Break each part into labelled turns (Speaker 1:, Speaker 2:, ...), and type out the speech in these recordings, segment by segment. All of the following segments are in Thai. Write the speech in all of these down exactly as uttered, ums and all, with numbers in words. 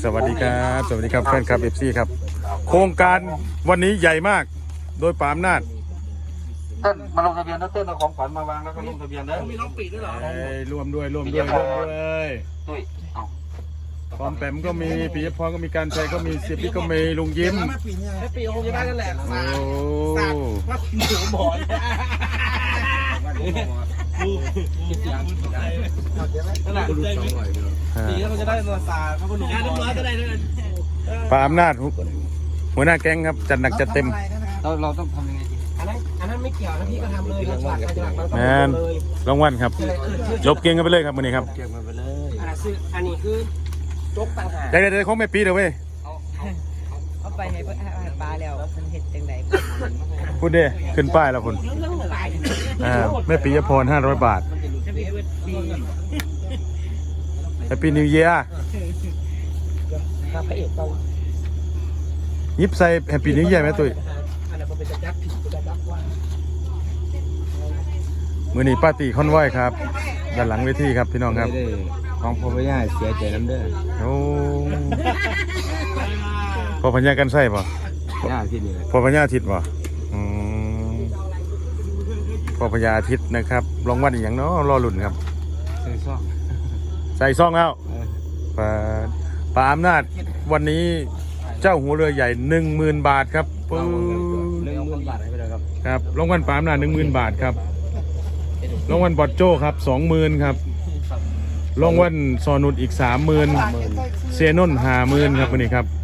Speaker 1: สวัสดีครับสวัสดีครับแฟนคลับเอฟซีครับโครงการวันนี้ใหญ่มากโดยปามนาจ
Speaker 2: เต้นมาลงทะเบียนนะเต้นเอาของขวัญมาวางแล้วก็ลงทะเบียนนะ
Speaker 3: มีน้องปีด้วยเหรอ
Speaker 1: ร่วมด้วยร่วมด้วยร่วมด้วย
Speaker 2: ตุ้ยเอา
Speaker 1: พร้อมแปมก็มีปีพรก็มีการชัยก็มีเสียพี่ก็มีลุงยิ้ม
Speaker 3: แม่ปีคงจะได้กันแหละ
Speaker 1: โอ้
Speaker 3: ว่าหนูบ่อยนั่นแหละปีแล้วมันจะได้ตัวซาเขาก็หนุ่มน้อยก็ได้ด้วย
Speaker 1: ปามนาจหัวหน้าแก๊งครับจัดหนักจัดเต็ม
Speaker 2: เราเราต้องทำยังไงดี
Speaker 3: อันนั้นอันนั้นไม่เกี่ยวนะพี่ก็ทำเลยเราฉลาดฉลาดเรา
Speaker 1: แม
Speaker 3: ทำ
Speaker 1: น
Speaker 3: เลย
Speaker 1: รางวัลครับลบเก่งกันไปเลยครับวันนี้ครับ
Speaker 2: เก็บมันไปเลย
Speaker 3: อันนั้นคืออันนี้คือจกต่างหาก
Speaker 1: ได้ได้ได้ของแม่ปีเด้อเว้ย
Speaker 4: เอาไปให้เพื่อนให้ปลาแล้วมันเห็ดจังได
Speaker 1: พูดเด้ขึ้นป้ายแล้วคุณอ่าแม่ปีพรห้าร้อยบาทแฮปปี้นิวเยียร์
Speaker 3: พระเอกต้อง
Speaker 1: ยิบใส่แฮปปี้นิวเยียร์ไหมตุ้ย
Speaker 3: อันนั้นเป็นจะยักษ์ผีจะยักษ์ว่า
Speaker 1: มือนี้ป้าตีคอนไหวครับด้านหลังเวทีครับพี่น้องครับ
Speaker 2: ของพ่อไม่ย่าเสียใจน้ำเด้อ
Speaker 1: โอ้พอพญากันใส่ป่ะ
Speaker 2: ย่าที่นี่แหละ
Speaker 1: พอพญาอาทิตย์ป่ะอืมพอพญาอาทิตย์นะครับรางวัลอีกอย่างเนาะรอลุ่นครับ
Speaker 2: ใส่ซ่อง
Speaker 1: ใส่ซองแล้วป้าป้าอำนาจวันนี้เจ้าหัวเรือใหญ่หนึ่งหมื่นบาทครับปื้
Speaker 2: หนึ่งหมื่นบาทให้ไปเลยครับ
Speaker 1: ครับรางวัลป้าอำนาจหนึ่งหมื่นบาทครับรางวัลบอดโจ้ครับสองหมื่นครับรางวัลซอนุดอีกสามหมื่นเซนนห้าหมื่นครับวันนี้ครับ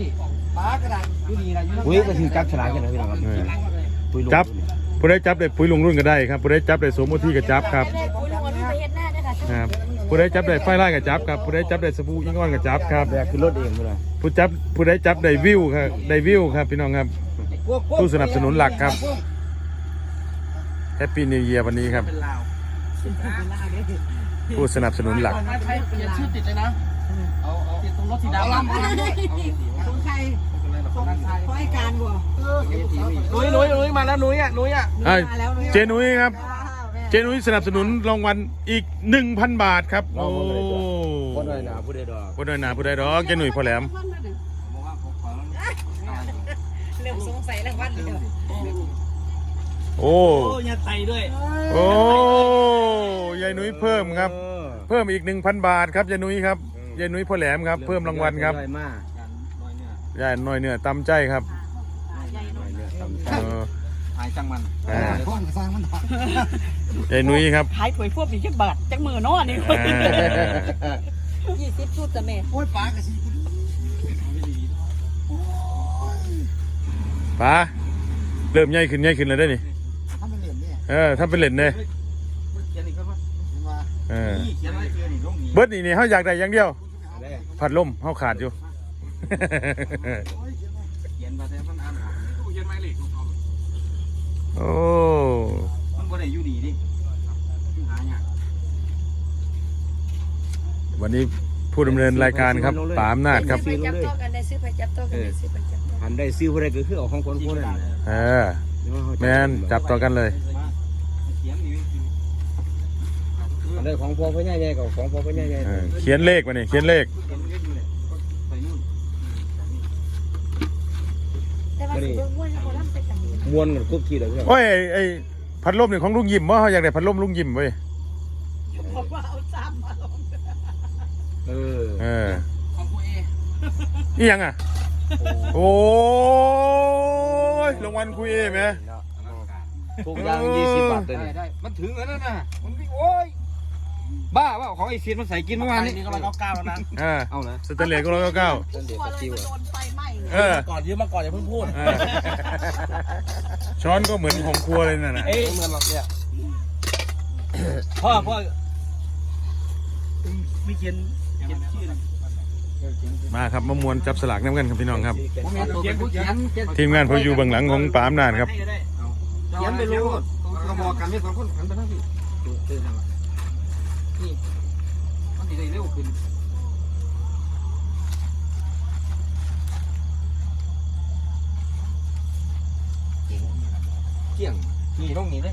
Speaker 2: อุ้ยก็ถือจับฉลากกันนะพี่น้องครับ
Speaker 1: เออจับผู้ได้จับได้ปุ๋ยลงรุ่นก็ได้ครับผู้ได้จับได้สมมติก็จับครับครับผู้ได้จับได้ไฟไล่ก็จับครับผู้ได้จับได้สบู่อิงอ้อนก็จับครับ
Speaker 2: แบกขึ้นรถเองเลย
Speaker 1: ผู้จับผู้ได้จับได้วิวครับได้วิวครับพี่น้องครับผู้สนับสนุนหลักครับแฮปปี้นิวเยียร์วันนี้ครับ
Speaker 3: เป็นลาว
Speaker 1: ผู้สนับสนุนหลัก
Speaker 3: ใช้เปลี่ยนชื่อติดเลยนะเอาเอาติดตรงรถสีดำ
Speaker 4: ของใครของไอ้การบ่
Speaker 3: นุ้ยนุ้ยนุ้ยมาแล้วนุ้ยอ่ะนุ้ยอ่ะ
Speaker 1: อ่ะเจนุ้ยครับเจนุ้ยสนับสนุนรางวัลอีก หนึ่งพัน บาทครับโอ้
Speaker 2: คนหน่อยนะผู้ใดดอก
Speaker 1: ผู้ใดหนาผู้ใดดอกเจนุ้ยพอแหลม
Speaker 4: เริ่มสงสัยแล้ววันเดียว
Speaker 1: โอ้
Speaker 3: โอ้ยาไตด้วย
Speaker 1: โอ้ยายนุ้ยเพิ่มครับ เพิ่มอีก หนึ่งพัน บาทครับยายนุ้ยครับยายนุ้ยพ่อแหลมครับเพิ่มรางวัลครับยายน้อยเนื้อตำใจครับเออ
Speaker 2: หายจังมัน
Speaker 1: อ่ายายนุ้ยครับ
Speaker 4: ขายถวยพวกผีแค่บาทจังมือน้อนี่
Speaker 1: อ่า
Speaker 4: ยี่สิบชุดจ้ะแม่
Speaker 1: ป้าเริ่มใหญ่ขึ้นใหญ่ขึ้นแล้วได้นี่เออถ้าเป็นเหรียญเนี่ยเออเบิร์ดนี่นี่เขาอยากได้อย่างเดียวผัดลมเขาขาดอยู่
Speaker 2: เขียนมาแต่มันอ่านออกเขียนไม่เหล็กของเขา
Speaker 1: โอ้
Speaker 2: มันบ่ได้อยู่ดีดิหาเนี่ย
Speaker 1: วันนี้ผู้ดำเนินรายการครับป๋าอำนาจครับ
Speaker 4: ไปจับตัวกันได้ซื้อไปจับตัวกันได้ซื้อไปจับตัว
Speaker 2: อันได้ซื้อผู้ใดก็คือเอาของคนผู้นั้น
Speaker 1: เออแมนจับต่อกันเลย
Speaker 2: อันได้ของพ่อพ่อใหญ่ๆกับของพ่อพ่อใหญ่
Speaker 1: เออเขียนเลขมาเนี่ยเขียนเลข
Speaker 4: แต่ว่าสิเบิ่งม่วนเขาล่ำไปต่างนี้
Speaker 2: ๆม้วนกันคุกคีเลยเพื่อน
Speaker 1: โอ้ยไอ้ไอ้พัดลมเนี่ยของลุงยิ้มว่าเขาอยากได้พัดลมลุงยิ้มเว้ย
Speaker 4: บอกว่าเอาซ้ำมาลง
Speaker 2: เออ
Speaker 1: เออ
Speaker 3: ของคุณเอ
Speaker 1: นี่ยังอ่ะโอ้ยรางวัลคุยเอไหม
Speaker 2: ทุกอย่างยี่สิบบาทเลยได้มันถึงแล้วนะมันโอ้ยบ้าว่าของไอ้เสียนมันใส่กินเมื่อวานนี้
Speaker 3: นี่ก็ร้อยเก้าเก้าแล้วนะ
Speaker 1: อ่า
Speaker 2: เอาเลย
Speaker 1: สแตนเลสก็ร้อยเก้าเก้า
Speaker 2: ต้นเดียวกับจิว
Speaker 4: โดนไฟไหม้
Speaker 1: เออ
Speaker 3: ก่อนยืมมาก่อนอย่าเพิ่งพูด
Speaker 1: เออช้อนก็เหมือนของครัวเลยน่ะนะ
Speaker 3: เอ้ยเหมือนหรอกเนี่ยพ่อพ่อไม่เขียนเขียนชื่อนะ
Speaker 1: มาครับมามวนจับสลากน้ำกันครับพี่น้องครับ
Speaker 3: เขียนผู้เขียน
Speaker 1: ทีมงานพออยู่เบื้องหลังของป๋าอำนาจครับ
Speaker 3: ให้ก็ได้
Speaker 2: เขียนไปรู้เราบอกกันไม่สองคนหันไปทางพี่นี่มันดีเร็วขึ้นเกี่ยงนี่ต้องนี่เลย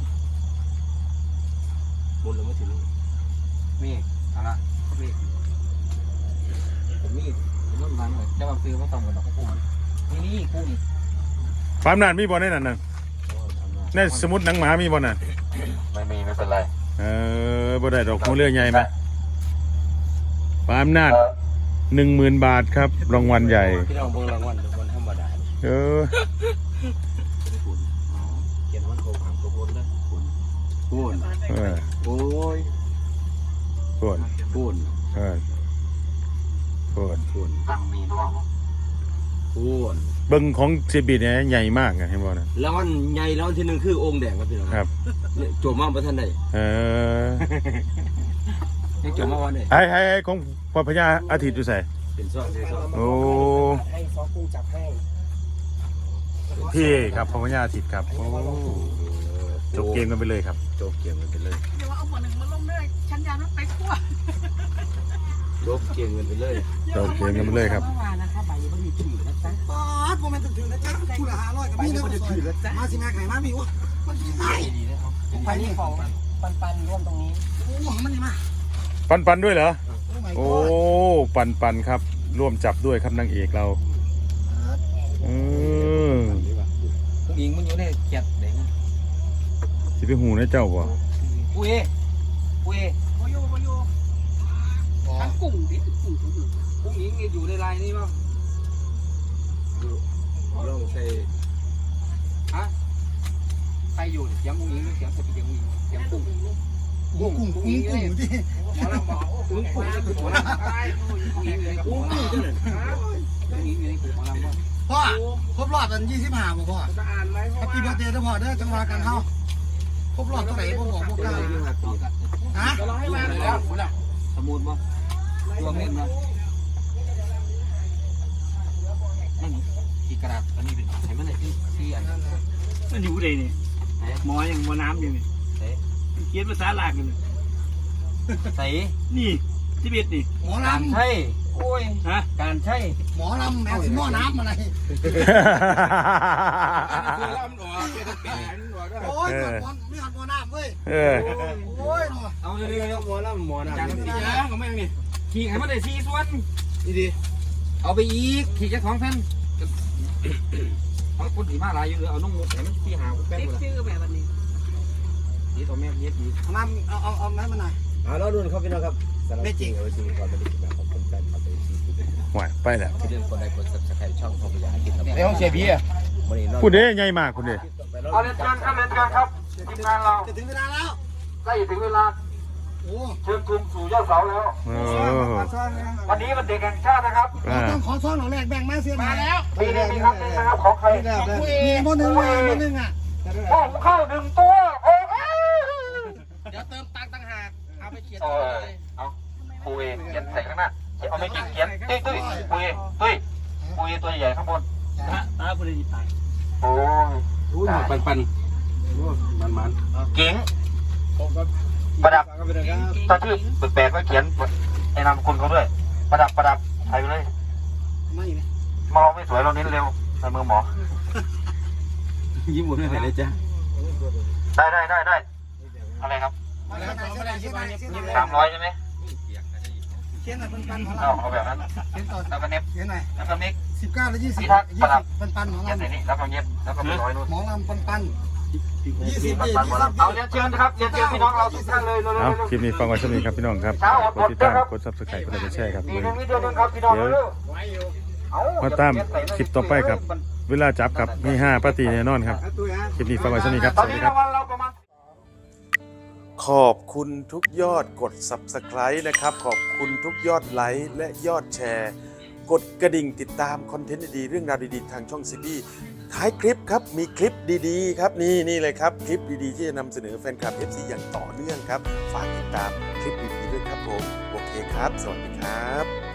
Speaker 2: บนหรือไม่ถึงนี่เอาละเข้าไปผมนี่ผมต้องดังจะมาซื้อมาทำกันหรอกกุ้งนี่นี่กุ้ง
Speaker 1: ปามนาดมีบ่ในนั้นน่ะในสมุดหนังหมามีบ่น่ะ
Speaker 2: ไม่มีไม่เป็นไร
Speaker 1: เออบ่ได้ดอกหัวเรือใหญ่ไหมปามนาดหนึ่งหมื่นบาทครับรางวัลใหญ่
Speaker 3: พี่น้องเบิ่งรางวัลรางวัลธรรมดา
Speaker 1: เออ
Speaker 3: เขียนวันโกงหางโกงนะพูน
Speaker 1: เออ
Speaker 3: โอ้ย
Speaker 1: โคตร
Speaker 3: พูน
Speaker 1: เออโคตร
Speaker 3: พูน
Speaker 2: ตั้งมีด้วย
Speaker 3: พูน
Speaker 1: เบิ่งของเซบิเนี่ยใหญ่มากอะเห็นบ่น่ะ
Speaker 3: รางวัลใหญ่รางวัลที่หนึ่งคือองค์แดงครับพี่น้อง
Speaker 1: ครับ
Speaker 3: โจมมาประท่านใด
Speaker 1: เออ
Speaker 3: ยังโจมมาวันไหน
Speaker 1: ไอ้ไอ้ไอ้ของพระพญาอาทิตย์อยู่ไส
Speaker 3: เป็นซ่อนเป็นซ่อน
Speaker 1: โอ้
Speaker 4: ให้ซอกุ้งจับให้
Speaker 1: พี่ครับพระพญาอาทิตย์ครับโอ้จบเกมกันไปเลยครับ
Speaker 3: จบเกมกันไปเลย
Speaker 5: เดี๋ยวเอาหัวหนึ่งมาลงด้วยชั้นยานัดไปคั่ว
Speaker 3: จบเกมกันไปเลย
Speaker 1: จบเกมกันไปเลยครับ
Speaker 4: เมื่อวานนะคะบ่ายยังไม่มีถือนะจ๊ะ
Speaker 6: ปอดโมเมนต์ถึงนะจ๊ะคู่ละห้าร้อยกับพี่นะมาสิแม่ไข่มามีวะมันกินได้
Speaker 4: ไปนี่ของปันปันร่วมตรงนี้
Speaker 6: โอ้มันนี่มา
Speaker 1: ปันปันด้วยเหรอ
Speaker 6: โอ้
Speaker 1: โอ้ปันปันครับ ร่วมจับด้วยครับนางเอกเราเออ
Speaker 2: กุ้งยิงมันอยู่ในเขียดเด็ก
Speaker 1: สิไปหูนะเจ้าบ่
Speaker 2: อุ้ยอุ้ย
Speaker 5: โอโยโอโยทั้งกุ้งดิกุ้งกุ้ง
Speaker 2: กุ้งยิงอยู่ในลายนี่มั้ง
Speaker 3: ลองใส่
Speaker 2: ฮะใครอยู่เสียงกุ้งยิงเสียงเสียงกุ้งยิงเสียงกุ้ง
Speaker 6: กุ้งกุ้งกุ้งกุ้งที่
Speaker 2: หมอลำบอกกุ้งกุ้งคือหมอลำอะไรกุ้งยิงเลยกุ้งกุ้งจังเลยกุ้งยิงเลยกุ้งหมอลำว่า
Speaker 6: พ่อครบรอบกันยี่สิบห้าบ่พ่อ
Speaker 5: จะอ่านไหม
Speaker 6: แฮปปี้เบิร์ดเดย์นะพ่อเด้อจังหวะกันเฮาครบรอบเท่าไหร่พ่อบอกพวกเราฮะ
Speaker 5: จะรอให้มาแล้ว
Speaker 2: สมุดมั้งรวมเล่นมั้งนั่นนี่ขีกระดาษอันนี้เป็นใช้มันไหนที่ที่อัน
Speaker 3: มันอยู่เลยนี่หมอยังหมอน้ำยังนี่เขียนภาษาลากกัน
Speaker 2: ใส่
Speaker 3: นี่ที่เบ็ดนี่
Speaker 6: หมอ
Speaker 2: การ
Speaker 6: ลำ
Speaker 2: ใช่โอ้ย
Speaker 3: ฮะ
Speaker 2: การใช่
Speaker 6: หมอลำแม่สิหม้อน้ำอะไรโอ้ยหมอไม่หันหมอน้ำเว้ย
Speaker 1: เออ
Speaker 6: โอ้ยเนาะ
Speaker 2: เอาเรื่อยๆ
Speaker 3: หมอน้ำหมอน้ำ
Speaker 2: จานสี่แล้วก็ไม่มีขีให้มันได้สี่ส่วน
Speaker 3: นี่ดิ
Speaker 2: เอาไปอีกขีแค่สองแผ่นเอาคนสีมาลายอยู่เอาน้องมุกให้มันสี่หาแป้ง
Speaker 5: ติ๊ก
Speaker 2: เลย
Speaker 5: ชื่อแบบนี้
Speaker 2: นี่ตัวแม่เย็ดดี
Speaker 6: เอาน้ำเอาเอาเอาน้ำมาหน่อย
Speaker 3: อ่าเราดูครับพี่น้องครับ
Speaker 6: ไม่จริง
Speaker 3: เอาจริงก่อนไปดีกว่าขอบคุณแฟนคลับไปซีซี
Speaker 1: หวายไปแล้ว
Speaker 3: ที่เดินคนใดคนสับสไครช่องทองพยาคิดครับ
Speaker 2: ในห้องเสียบีอ่ะ
Speaker 3: วันนี้
Speaker 1: พูดเด้ใหญ่มากคุณเด้
Speaker 2: เอาเรียนเชิญครับเรียนเชิญครับทีมงานเรา
Speaker 6: จะถึงเวลาแล้ว
Speaker 2: ใกล้ถึงเวลา
Speaker 6: โอ้
Speaker 2: เชิญกรุงสู่ยอดเสาแล้ว
Speaker 1: เออ
Speaker 2: วันนี้มันเด็กแห่งชาตินะครับ
Speaker 1: อ่า
Speaker 6: ต้องขอซ่อนหน่อยแรกแบ่งมาเสียมาแล้ว
Speaker 2: ปีนี้มีครับนี่นะครับของใคร
Speaker 6: มีโมนึงอ่ะโมนึงอ่ะ
Speaker 2: หม้อหุงข้าวหนึ่งตัวโอ้ย
Speaker 5: เดี๋ยวเติมตังค์ต่างหากเอาไปเขียน
Speaker 2: เออเอาปุยเขียนใส่ข้างหน้าเอาไม่จริงเขียนตุ้ยตุ้ยปุยตุ้ยปุยตัวใหญ่ข้างบน
Speaker 3: ตาตาผู้ใดจิตตาย
Speaker 2: โอ้ย
Speaker 3: รู้หมดปันปันมันมัน
Speaker 2: เก๋ง
Speaker 3: ประดับครับ
Speaker 2: ถ้าชื่อแปลกๆก็เขียนไอ้นามคุณเขาด้วย ประดับประดับใส่ไปเลย
Speaker 6: ไม่ไหม
Speaker 2: มองไม่สวยเราเน้นเร็วใส่มือหมอ
Speaker 3: ยิ้มหมดไม่ไหวเลยจ้ะ
Speaker 2: ได้ได้ได้ได้อะไรครับสามร้อยใช่ไหม
Speaker 6: เขียนหน่อยปันปันของ
Speaker 2: เอา
Speaker 6: เรา
Speaker 2: เอาแบบนั้น
Speaker 6: เขียนต่อ
Speaker 2: แล้วก็เน็บ
Speaker 6: เขียนหน่อย
Speaker 2: แล้วก็เน็บ
Speaker 6: สิบเก้าและยี่สิบ
Speaker 2: พิทักษ์
Speaker 6: ยี่
Speaker 2: ประดั
Speaker 6: สิ
Speaker 2: บ
Speaker 6: บปันปันหมอ
Speaker 2: เย็บ
Speaker 6: ลำ
Speaker 2: ใส่นี่แล้วก็เย็บแล้วก็ไปร้อยนู่น
Speaker 6: หมอลำปันปันยี่สิบ
Speaker 2: ปัน
Speaker 6: ยี่
Speaker 2: ปัน
Speaker 6: สิ
Speaker 2: หม
Speaker 6: บ
Speaker 2: ดแล้วเอาเรียนเชิญครับเรียนเชิญพี่น้องเราทุกท่านเลยเร็ว
Speaker 1: เอา
Speaker 2: ๆ
Speaker 1: คลิปนี้ฟังไว้สักนิดครับพี่น้องครับกดติดตามกดซับสไครต์กดไลค์กดแชร์ครับ
Speaker 2: ดี
Speaker 1: เลย
Speaker 2: นึงนิดเดียวนึงครับพี่น้องเร็ว
Speaker 1: มาตามคลิปต่อไปครับ เวลาจับกับมีห้าปาร์ตี้แน่นอนครับ คลิปนี้ฟังไว้สักนิดครับ
Speaker 2: ต
Speaker 1: ส
Speaker 2: อน
Speaker 1: วัส
Speaker 2: นี้
Speaker 1: ดีครั
Speaker 2: รา
Speaker 1: บ
Speaker 2: งวัลเราประมาณ
Speaker 1: ขอบคุณทุกยอดกด ซับสไครต์ นะครับ ขอบคุณทุกยอดไลค์และยอดแชร์ กดกระดิ่งติดตามคอนเทนต์ดีๆเรื่องราวดีๆทางช่องซีบีท้ายคลิปครับ มีคลิปดีๆครับนี่นี่เลยครับ คลิปดีๆที่จะนำเสนอแฟนคลับ เอฟ ซี อย่างต่อเนื่องครับ ฝากติดตามคลิปดีๆด้วยครับผม โอเคครับ สวัสดีครับ